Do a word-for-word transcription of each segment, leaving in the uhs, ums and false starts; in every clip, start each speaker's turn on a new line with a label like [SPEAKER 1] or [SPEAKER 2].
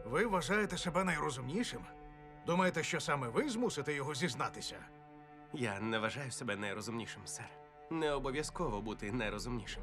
[SPEAKER 1] Ви вважаєте себе найрозумнішим? Думаєте, що саме ви змусите його зізнатися?
[SPEAKER 2] Я не вважаю себе найрозумнішим, сер. Не обов'язково бути найрозумнішим.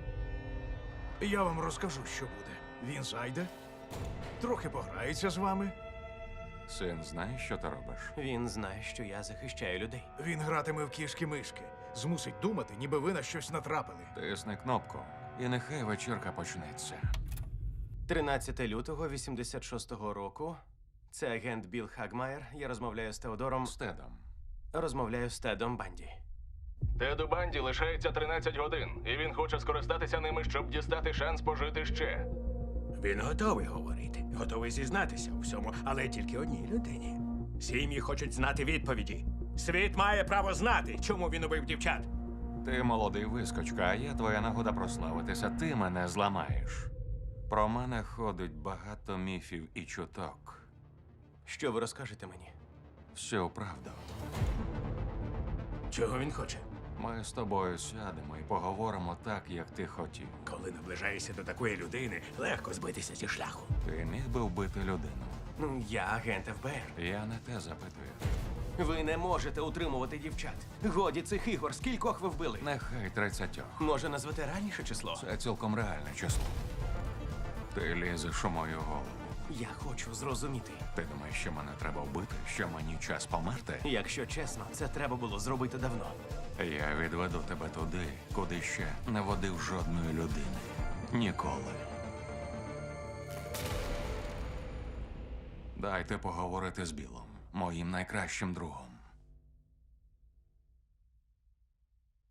[SPEAKER 1] Я вам розкажу, що буде. Він зайде, трохи пограється з вами,
[SPEAKER 3] Син знає, що ти робиш?
[SPEAKER 2] Він знає, що я захищаю людей.
[SPEAKER 1] він гратиме в кішки-мишки, змусить думати, ніби ви на щось натрапили.
[SPEAKER 3] Тисни кнопку, і нехай вечірка почнеться.
[SPEAKER 2] тринадцятого лютого вісімдесят шостого року. Це агент Білл Хагмайер. Я розмовляю з Теодором.
[SPEAKER 3] З Тедом.
[SPEAKER 2] Розмовляю з Тедом Банді.
[SPEAKER 4] Теду Банді лишається тринадцять годин, і він хоче скористатися ними, щоб дістати шанс пожити ще.
[SPEAKER 5] Він готовий говорити, готовий зізнатися у всьому, але тільки одній людині. Сім'ї хочуть знати відповіді. Світ має право знати, чому він убив дівчат.
[SPEAKER 3] Ти молодий вискочка, а я твоя нагода прославитися. Ти мене зламаєш. Про мене ходить багато міфів і чуток.
[SPEAKER 2] Що ви розкажете мені?
[SPEAKER 3] Всю правду.
[SPEAKER 5] Чого він хоче?
[SPEAKER 3] Ми з тобою сядемо і поговоримо так, як ти хотів.
[SPEAKER 5] Коли наближаєшся до такої людини, легко збитися зі шляху.
[SPEAKER 3] Ти міг би вбити людину.
[SPEAKER 2] Ну, я агент еф бе ер.
[SPEAKER 3] Я не те запитую.
[SPEAKER 2] Ви не можете утримувати дівчат. Годі цих ігор. Скількох ви вбили?
[SPEAKER 3] Нехай тридцятьох.
[SPEAKER 2] Може, назвете реальніше число?
[SPEAKER 3] Це цілком реальне число. Ти лізеш у мою голову.
[SPEAKER 2] Я хочу зрозуміти.
[SPEAKER 3] Ти думаєш, що мене треба вбити? Що мені час померти?
[SPEAKER 2] Якщо чесно, це треба було зробити давно.
[SPEAKER 3] Я відведу тебе туди, куди ще не водив жодної людини. Ніколи. Дайте поговорити з Білом, моїм найкращим другом.